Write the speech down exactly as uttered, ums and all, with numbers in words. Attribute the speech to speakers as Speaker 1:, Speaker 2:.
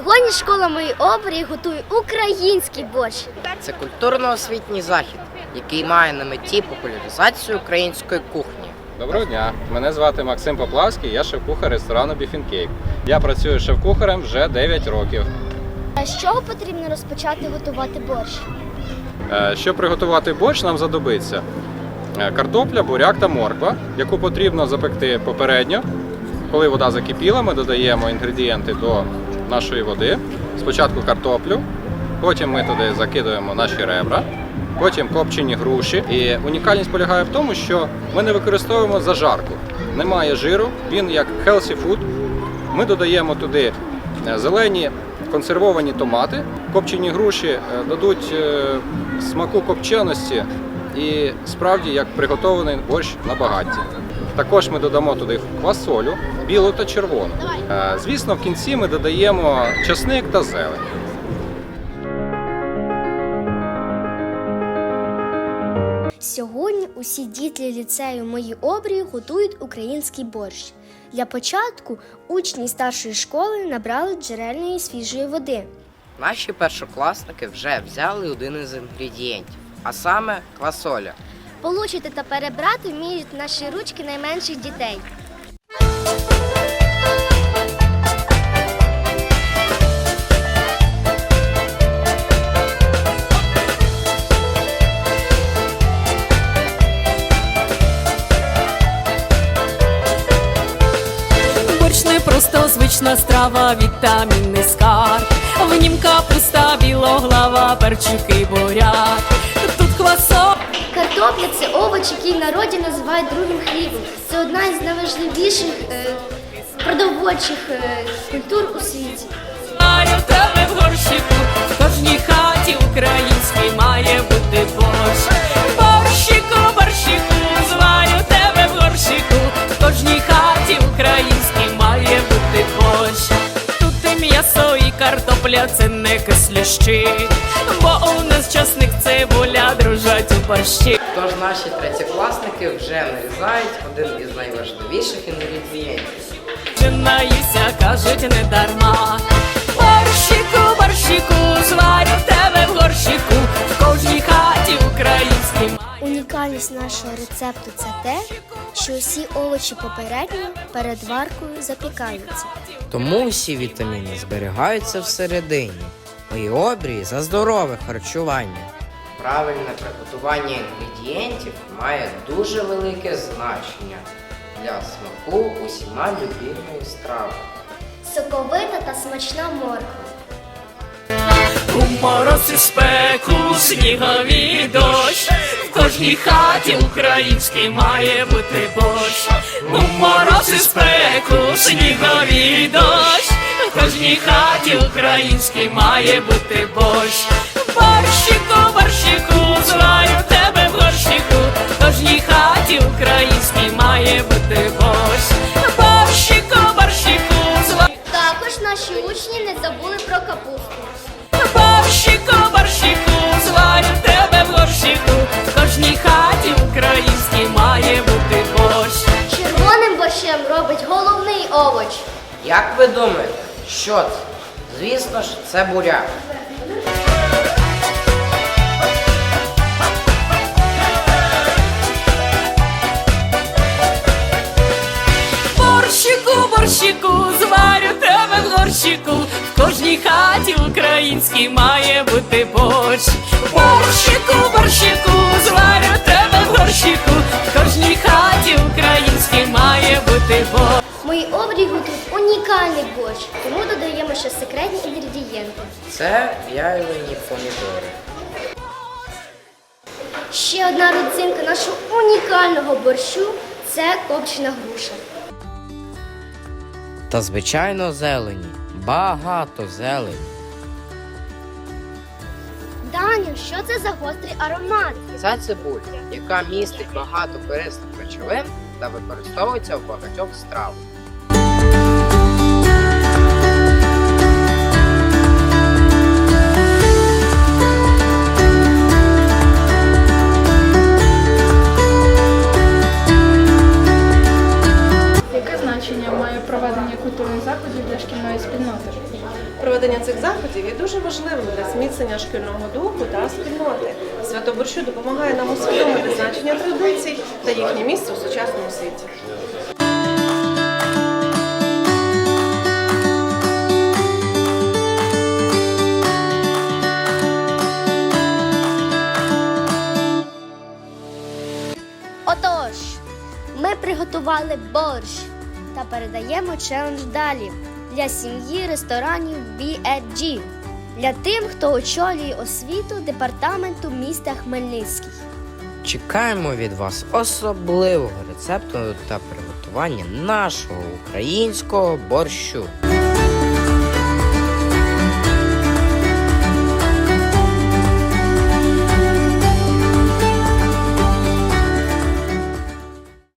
Speaker 1: Сьогодні школа моєї обрії готує український борщ.
Speaker 2: Це культурно-освітній захід, який має на меті популяризацію української кухні.
Speaker 3: Доброго дня, мене звати Максим Поплавський, я шеф-кухар ресторану Beef and Cake. Я працюю шеф-кухарем вже дев'ять років.
Speaker 1: А з чого потрібно розпочати готувати борщ?
Speaker 3: Щоб приготувати борщ, нам знадобиться картопля, буряк та морква, яку потрібно запекти попередньо. Коли вода закипіла, ми додаємо інгредієнти до нашої води. Спочатку картоплю, потім ми туди закидуємо наші ребра, потім копчені груші. І унікальність полягає в тому, що ми не використовуємо зажарку. Немає жиру, він як healthy food. Ми додаємо туди зелені консервовані томати. Копчені груші дадуть смаку копченості і справді як приготований борщ на багатті. Також ми додамо туди квасолю, білу та червону. Звісно, в кінці ми додаємо часник та зелень.
Speaker 1: Сьогодні усі діти ліцею моєї обрії готують український борщ. Для початку учні старшої школи набрали джерельної свіжої води.
Speaker 2: Наші першокласники вже взяли один із інгредієнтів, а саме квасоля.
Speaker 1: Получити та перебрати вміють наші ручки найменших дітей.
Speaker 4: Борщ не просто звична страва, вітамінний скарб. В нім капуста, білоглава, перчики, буряк. Тут квасо.
Speaker 1: Картопля – це овоч, який в народі називають другим хлібом. Це одна із найважливіших е, продовольчих е, культур у світі.
Speaker 4: Маю тебе в горщику, в кожній хаті українській має бути борщ. Борщику, борщику, зварю тебе в горщику, в кожній хаті українській має бути борщ. Тут і м'ясо, і картопля, це не кислющі, бо у нас часник, цибуля дружать у борщі.
Speaker 2: Тож наші третєкласники вже нарізають один із найважливіших інгредієнтів.
Speaker 4: Наюся, кажуть, не дарма. Борщику, борщику, зварю тебе в горщику, в кожній хаті українській.
Speaker 1: Унікальність нашого рецепту – це те, що усі овочі попередньо перед варкою запікаються.
Speaker 2: Тому усі вітаміни зберігаються всередині. Мої обрії за здорове харчування. Правильне приготування інгредієнтів має дуже велике значення для смаку усіма любимої страви.
Speaker 1: Соковита та смачна морква.
Speaker 4: У мороз і спеку, сніговий дощ, в кожній хаті українській має бути борщ. У мороз і спеку, сніговий дощ, в кожній хаті українській має бути борщ. Борщику, борщику, зварю тебе в горщику, в кожній хаті українській має бути борщ. Борщику, борщику, зварю.
Speaker 1: Також наші учні не забули про капусту.
Speaker 4: Борщику, борщику, зварю тебе в горщику, в кожній хаті українській має бути борщ.
Speaker 1: Червоним борщем робить головний овоч.
Speaker 2: Як ви думаєте, що це? Звісно ж, це буряк.
Speaker 4: Борщику, борщику, зварю тебе в горщику, в кожній хаті українській має бути борщ. Борщику, борщику, зварю тебе в горщику, в кожній хаті українській має бути борщ.
Speaker 1: Мої обрії готують унікальний борщ, тому додаємо ще секретні інгредієнти.
Speaker 2: Це в'ялені помідори.
Speaker 1: Ще одна родзинка нашого унікального борщу – це копчена груша.
Speaker 2: Та, звичайно, зелені. Багато зелені.
Speaker 1: Даню, що це за гострий аромат?
Speaker 2: Це цибуля, яка містить багато корисних речовин та використовується в багатьох стравах.
Speaker 5: Яке значення має проведення культурних заходів для шкільної спільноти?
Speaker 6: Проведення
Speaker 5: цих заходів є дуже важливим для зміцнення шкільного духу та спільноти. Свято борщу допомагає нам усвідомити значення традицій та їхнє місце у сучасному світі.
Speaker 1: Отож, ми приготували борщ та передаємо челендж далі для сім'ї ресторанів бі еф джі, для тим, хто очолює освіту департаменту міста Хмельницький.
Speaker 2: Чекаємо від вас особливого рецепту та приготування нашого українського борщу.